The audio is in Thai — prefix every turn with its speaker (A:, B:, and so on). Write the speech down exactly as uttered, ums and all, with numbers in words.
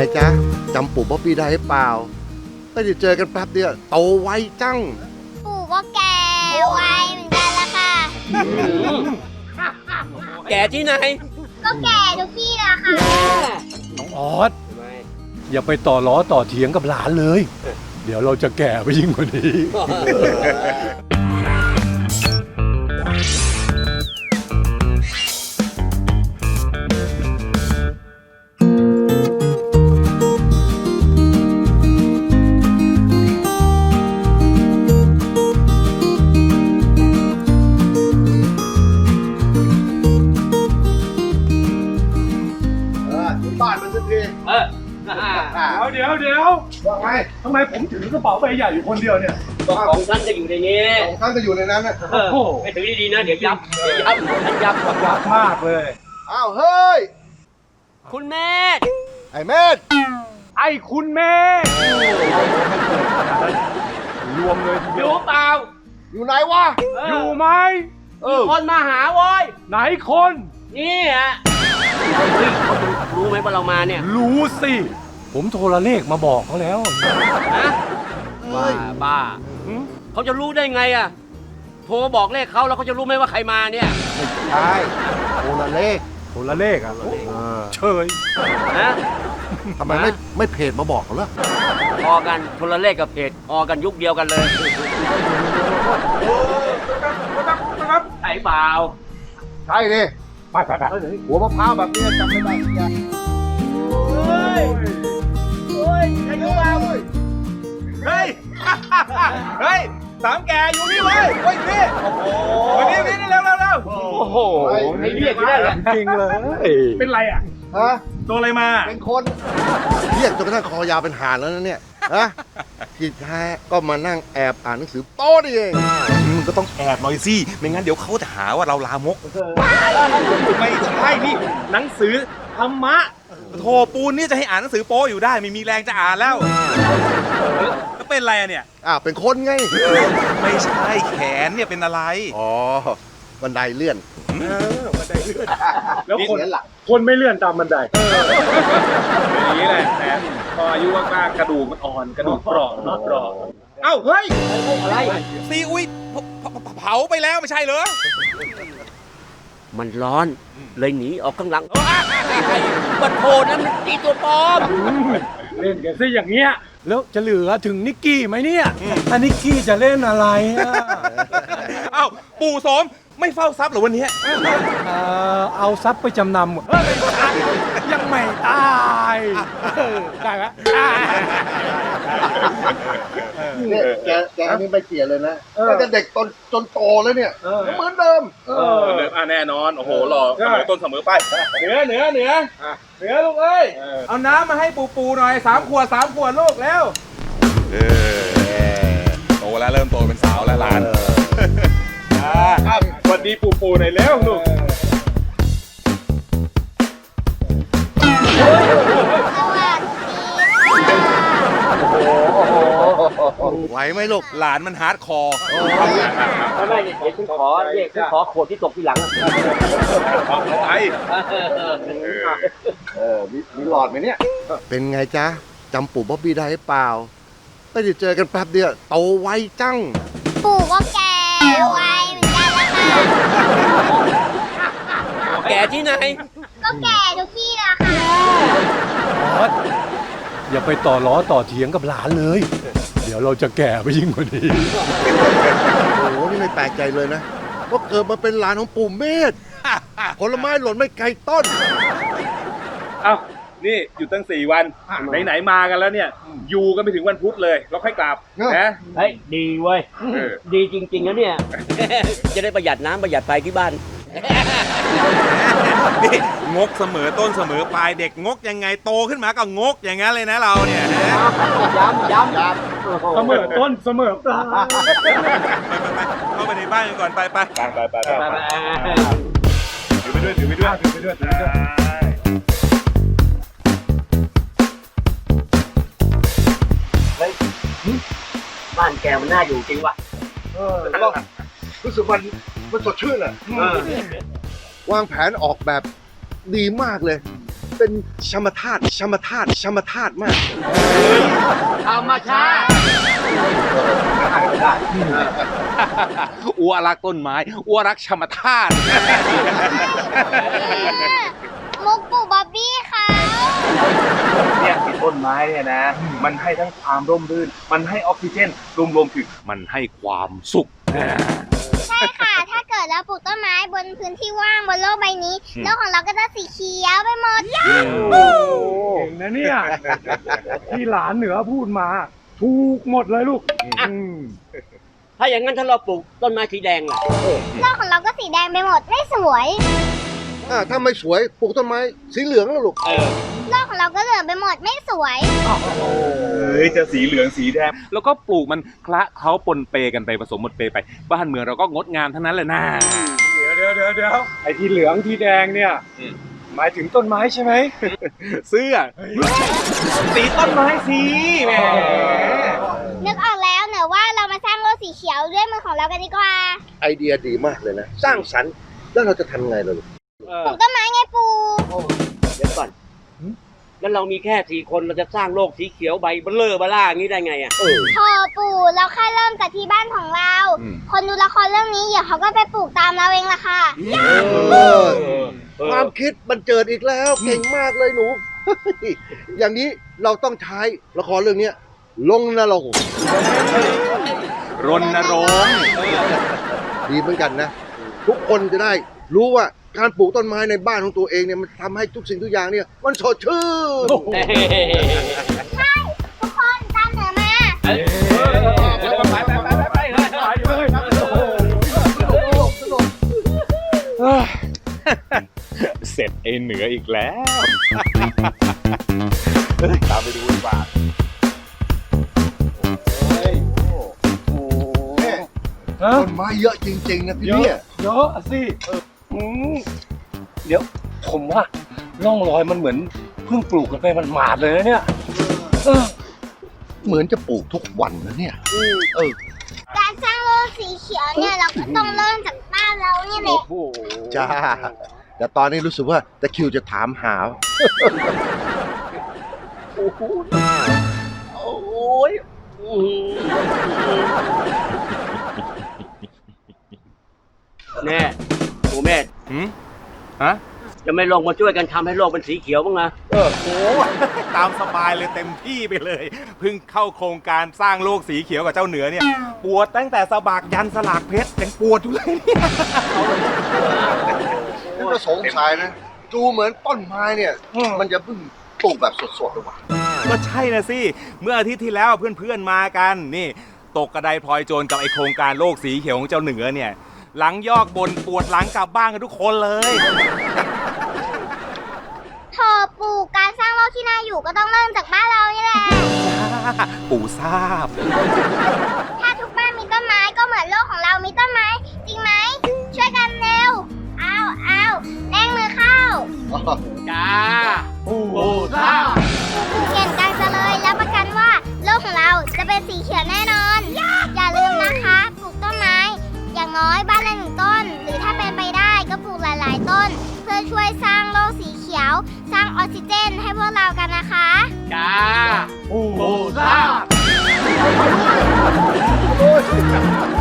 A: จ๊ะจำปู่บ๊อบบี้ได้หรือเปล่าไม่ได้เจอกันแป๊บเดียวโตไวจัง
B: ปู่ก็แก่ไวเหมือนกันละค่ะ
C: แก่ที่ไหน
B: ก็แก่ทุกที่ละค่ะ
D: น้องออสอย่าไปต่อล้อต่อเถียงกับหลานเลย เดี๋ยวเราจะแก่ไปยิ่งกว่านี้
A: บ้านมันสักที
C: เออ
D: เดี๋ยวเดี๋ยว
A: ว่าไง
D: ทำไมผมถือกระเป๋าใบใหญ่อยู่คนเดียวเนี่ย
C: ของท่านจะอยู่ในนี้
A: ของท่านจะอยู่ในนั้นนะ
C: โอ้ไม่ถือดีๆนะเดี๋ยวยับเดี๋ยวยับท่านยับ
D: ยับมากเลย
A: อ้าวเฮ้ย
C: คุณแม่
A: ไอ้แม่
D: ไอ้คุณแม่รวมเลย
C: อยู่เปล่า
A: อยู่ไหนวะ
D: อยู่ไหม
C: มีคนมาหาโว้ย
D: ไหนคน
C: นี่ฮะเฮ้ยเขารู้ไหมว่าเรามาเนี่ย
D: รู้สิผมโทรเลขมาบอกเขาแล้ว
C: ฮะบ้าบ้าเขาจะรู้ได้ไงอ่ะโทรบอกเลขเขาแล้วเขาจะรู้ไหมว่าใครมาเนี่ย
A: ใช่โทรเลข
D: โทรเลขอ่ะเฉย
C: นะ
A: ทำไมไม่ไม่เพจมาบอกเขาล่ะ
C: พอกันโทรเลขกับเพจพอกันยุคเดียวกันเลยใช่เปล่า
A: ใช่ดิ
D: ไปไปไป
A: หัวมะพร้าวแบบนี้จำไม่ได้ยัง
C: เฮ้ยเฮ้ยใครรู้มาเว้ย
E: เฮ้ยเฮ้ยสามแกอยู่นี่เว้ยเฮ้ยนี่โอ้โหวันนี้นี่เร็วเร็วเร็ว
C: โอ้โหให้เรียกได้เลย
D: จริงเลยเป็นไรอ่ะ
A: ฮะ
E: ตัวอะไรมา
A: เป็นคนเรียกจนกระทั่งคอยาวเป็นห่านแล้วนะเนี่ยฮะที่แท้ก็มานั่งแอบอ่านหนังสือโต๊ะนี่เอง
E: มึงก็ต้องแอบหน่อยสิไม่งั้นเดี๋ยวเขาจะหาว่าเราลามกไม่ใช่นี่หนังสือธรรมะโธ่ปูนนี่จะให้อ่านหนังสือโป๊อยู่ได้ไม่มีแรงจะอ่านแล้วก็เป็นอะไรเนี่ย
A: อ่าเป็นคนไง
E: ไม่ใช่แขนเนี่ยเป็นอะไร
A: อ๋อบันไดเลื่อน
D: บันไดเลื่อนแล้วคนคนไม่เลื่อนตามบันได
E: อย่างนี้แหละแต่พออายุมากๆกระดูกมันอ่อนกระดูกเปราะเปราะเอ้าเฮ้ย
C: อะไร
E: ซีอุ้ยเผาไปแล้วไม่ใช่เหรอ
C: มันร้อนเลยหนีออกข้างหลังบัดโผนั้นมันตีตัวปลอม
D: เล่นกันซะอย่างเงี้ยแล้วจะเหลือถึงนิกกี้ไหมเนี่ยถ้านิกกี้จะเล่นอะไรอ่ะ
E: เอ้าปู่โสมไม่เฝ้าทรัพย์หรอวันนี้
D: เอาทรัพย์ไปจำนำยังไม่ตายได้ไหม
A: เนี่ยแกแกนี่ไม่เปลี่ยนเลยนะตั้งแต่เด็กจนจนโตแล้วเนี่ยเหมือนเดิม
E: เออแน่นอนโอ้โหหล่อเสมอต้นเสมอไปเหนือเหนือเหนือเหนือลูกเอ้ยเอาน้ำมาให้ปูปูหน่อยสามขวดสามขวดลูกแล้วโตแล้วเริ่มโตเป็นสาวแล้วหลานสวัสดีปูปูหน่อยแล้วลูก
A: ไหวไหมลูก
E: หลานมันฮาร์ดคอร์
C: ไม่ไม่เดี๋ยวฉันขอเรียกฉันขอขวดที่ตกที่หลัง
E: เอาไป
A: เออมีหลอดไหมเนี่ยเป็นไงจ๊ะจำปู่บ๊อบบี้ได้หรือเปล่าไม่ได้เจอกันแป๊บเดียวโตไวจัง
B: ปู่ก็แก่ไวเหมือนกันละค่ะ
C: แก่ที่ไหน
B: ก็แก่ทุกที่ละค่ะ
D: ออสอย่าไปต่อล้อต่อเถียงกับหลานเลย เดี๋ยวเราจะแก่ไปยิ่งกว่านี้
A: โอ้โหนี่ไม่แปลกใจเลยนะว่าเกิดมาเป็นหลานของปู่เมธผลไม้หล่นไม่ไกลต้น
E: เอ้านี่อยู่ตั้งสี่วันไหนๆมากันแล้วเนี่ยอยู่กันไปถึงวันพุธเลยแล้วค่อยกลับนะ
C: เฮ้ยดีเว้ยดีจริงๆนะเนี่ยจะได้ประหยัดน้ำประหยัดไฟที่บ้าน
E: นี่งกเสมอต้นเสมอปลายเด็กงกยังไงโตขึ้นมาก็งกอย่างนั้นเลยนะเราเนี่ย
C: ย้ำย้ำย้
D: ำเสมอต้นเสมอปลาย
E: เข้าไปในบ้านกันก่อนไปไปไปไปไปถือไปด้วยถือไปด้วยถือไปด้วยถือไปด้วย
C: บ้านแกมันน่าอยู่จริงว่ะ
A: เออรู้สึกมันมันสดชื่นอ่ะวางแผนออกแบบดีมากเลยเป็นธรรมธาตุธรรมธาตุธรรมธาตุมาก
C: ธรรมชาติ
E: อัวรักต้นไม้อัวรักธรรมธาตุ
B: มุกปู่บ๊อบบี้เขา
E: เนี่ยที่ต้นไม้เนี่ยนะ มันให้ทั้งความร่มรื่น มันให้ออกซิเจน รวมๆถึงมันให้ความสุข
B: ใช่ค่ะ ถ้าเกิดเราปลูกต้นไม้บนพื้นที่ว่างบนโลกใบนี้โลกของเราก็จะสีเขียวไปหมด
D: เก่งนะเนี่ย ที่หลานเหนือพูดมา ถูกหมดเลยลูกอืม
C: ถ้าอย่างนั้นถ้าเราปลูกต้นไม้สีแดงล่ะ
B: โลกของเราก็สีแดงไปหมดไม่สวย
A: อ่าถ้าไม่สวยปลูกต้นไม้สีเหลืองแล้วลูก
C: เออ
B: โลกของเราก็เหลืองไปหมดไม่สวย
E: เฮ้ย จะสีเหลืองสีแดง แล้วก็ปลูกมันคละเขาปนเปกันไปผสมหมดเปไป บ้านเมืองเราก็งดงามทั้งนั้นเลยนะ
D: เดี๋ยวเดี๋ยวเดี๋ยวเดี๋ยวไอ้ที่เหลืองที่แดงเนี่ย
E: อืม
D: หมายถึงต้นไม้ใช่ไหม
E: เสื้อ สีต้นไม้สีแหม
B: นึกออกแล้วเนอะว่าเรามาสร้างโลกสีเขียวด้วยมือของเรากันดีกว่า
A: ไอเดียดีมากเลยนะ สร้างสรรค์แล้วเราจะทำไงล่ะลูก
C: เอ
B: ป
C: อ
B: ลูกต้นไม้ไงปู่
C: เดี๋ยวก่อน แล้วเรามีแค่สี่คนเราจะสร้างโลกสีเขียวใบเบลอเบล่าอย่างนี้ได้ไงอ่ะ
A: เออ
B: พอปู่เราแค่เริ่มจากที่บ้านของเรา
E: อืม
B: คนดูละครเรื่องนี้เดี๋ยวเขาก็ไปปลูกตามเราเองละค่ะ
A: เออ ความคิดบันเจิดอีกแล้วเก่งมากเลยหนู อย่างนี้เราต้องใช้ละครเรื่องเนี้ยลงนรก
E: รณรงค์
A: ดีเหมือนกันนะ ทุกคนจะได้รู้ว่าการปลูกต้นไม้ในบ้านของตัวเองเนี่ยมันทำให้ทุกสิ่งทุกอย่างเนี่ยมันสดชื่น
B: ใช่ทุกคนตามเหนือมา
C: ไปไปไปไปไป
E: เสร็จไอ้เหนืออีกแล้ว เฮ้ยตามไปดูดีกว่า
D: ฮะ
A: ต้นไม้เยอะจริงๆนะพี่
D: เย
A: เนี่
D: อะ
A: ย
D: เยอะสิอืมเดี๋ยวผมว่าร่องรอยมันเหมือนเพิ่งปลูกกันไปมันหมาดๆเลยนะเนี่ยเออ
A: เหมือนจะปลูกทุกวันนะเนี่ยเออ
B: การสร้างโลกสีเขียวเนี่ยเราก็ต้องเริ่มจากบ้านเราเนี่ยแหละ
A: จ้า แต่ตอนนี้รู้สึกว่าตะคริวจะถามหา
C: โอ้โหโอ้ยอื้อหือแน่ปู่แม่
E: หืมฮะ
C: จะไม่ลงมาช่วยกันทำให้โลกเป็นสีเขียวบ้างนะ
E: โอ้โห ตามสบายเลยเต็มที่ไปเลย เพิ่งเข้าโครงการสร้างโลกสีเขียวกับเจ้าเหนือเนี่ย ปวดตั้งแต่สะบักยันสลากเพชรยังปวดอยู่เลยเนี่ย
A: นี่ก็สงสัยนะ ดูเหมือนต้นไม้เนี่ย มันจะเพิ่งปลูกแบบสดๆหรือเปล่า
E: ก็ใช่นะสิ เมื่ออาทิตย์ที่แล้วเพื่อนๆมากัน นี่ ตกกระไดพลอยโจรกับไอโครงการโลกสีเขียวของเจ้าเหนือเนี่ย หลังยอกบนปวดหลังกลับบ้านกันทุกคนเลย
B: โถปู่การสร้างโลกที่น่าอยู่ก็ต้องเริ่มจากบ้านเรานี่แหละ
E: ปู่ทราบ
B: ถ้าทุกบ้านมีต้นไม้ก็เหมือนโลกของเรามีต้นไม้ จริงไหม ช่วยกันเร็ว เอาเอาแรงมือเข้า
C: จ้าปู่ทราบ
B: ปู่เก่งกันจะเลยแล้วประกันว่าโลกของเราจะเป็นสีเขียวแน่นอน อย่าลืมนะคะปลูกต้นไม้ อย่างน้อยบ้านละหนึ่งต้น หรือถ้าเป็นไปได้ก็ปลูกหลาย ๆ ต้น เพื่อช่วยสร้างโลกสีเขียว สร้างออกซิเจนให้พวกเรากันนะคะ
C: จ้าปู่ทราบ
A: โอ้ย